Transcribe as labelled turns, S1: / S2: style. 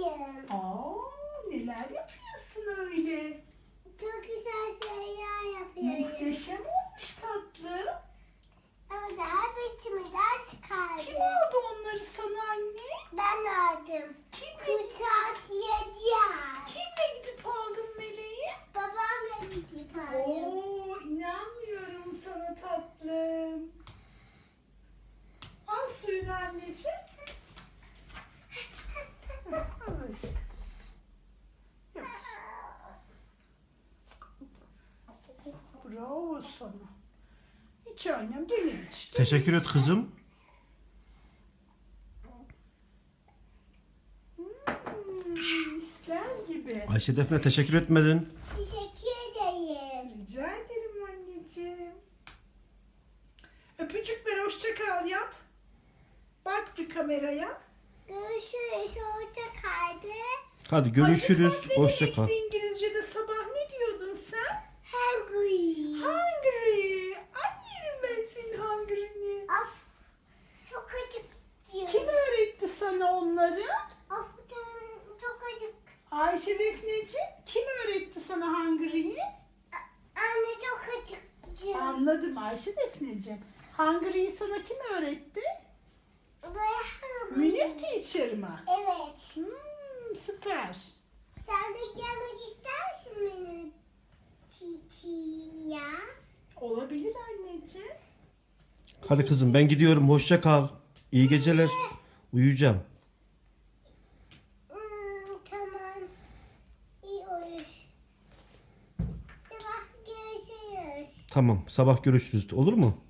S1: yapayım.
S2: Neler yapıyorsun öyle?
S1: Çok güzel şeyler yapıyorum.
S2: Muhteşem olmuş tatlım.
S1: Ama daha bitimi ders kaldı.
S2: Kim aldı onları sana anne?
S1: Ben aldım. Kırtasiyeciğim.
S2: Kimle gidip aldın Meleği?
S1: Babamla gidip aldım.
S2: İnanmıyorum sana tatlım. Al suyunu anneciğim. Al aşkım. Yavaş. Bravo sana. Hiç annem benim hiç.
S3: Teşekkür et kızım.
S2: Misler gibi.
S3: Ayşe Defne teşekkür etmedin.
S1: Teşekkür ederim.
S2: Rica ederim anneciğim. Öpücük ver, hoşça kal yap. Bak bir kameraya.
S1: Görüşürüz. Hoşça kaldı.
S3: Hadi görüşürüz.
S2: Hadi, bak,
S3: Hoşça
S2: ne
S3: kal.
S2: demekti İngilizce'de sabah ne diyordun sen?
S1: Hungry.
S2: Hungry. Ay yerim ben senin hungry'ni.
S1: Of. Çok acıktım.
S2: Kim öğretti sana onları?
S1: Of. Çok acık.
S2: Ayşe Defneciğim. Kim öğretti sana hungry'yi?
S1: Anne çok acıktım.
S2: Anladım Ayşe Defneciğim. Hungry'yi sana kim öğretti?
S1: Böyle
S2: Münir Teacher mı?
S1: Evet.
S2: Süper.
S1: Sen de gelmek ister misin benim çiçeğe?
S2: Olabilir anneciğim.
S3: Hadi kızım ben gidiyorum. Hoşça kal. İyi geceler. Uyuyacağım.
S1: Tamam. İyi olur. Sabah görüşürüz.
S3: Tamam. Sabah görüşürüz. Olur mu?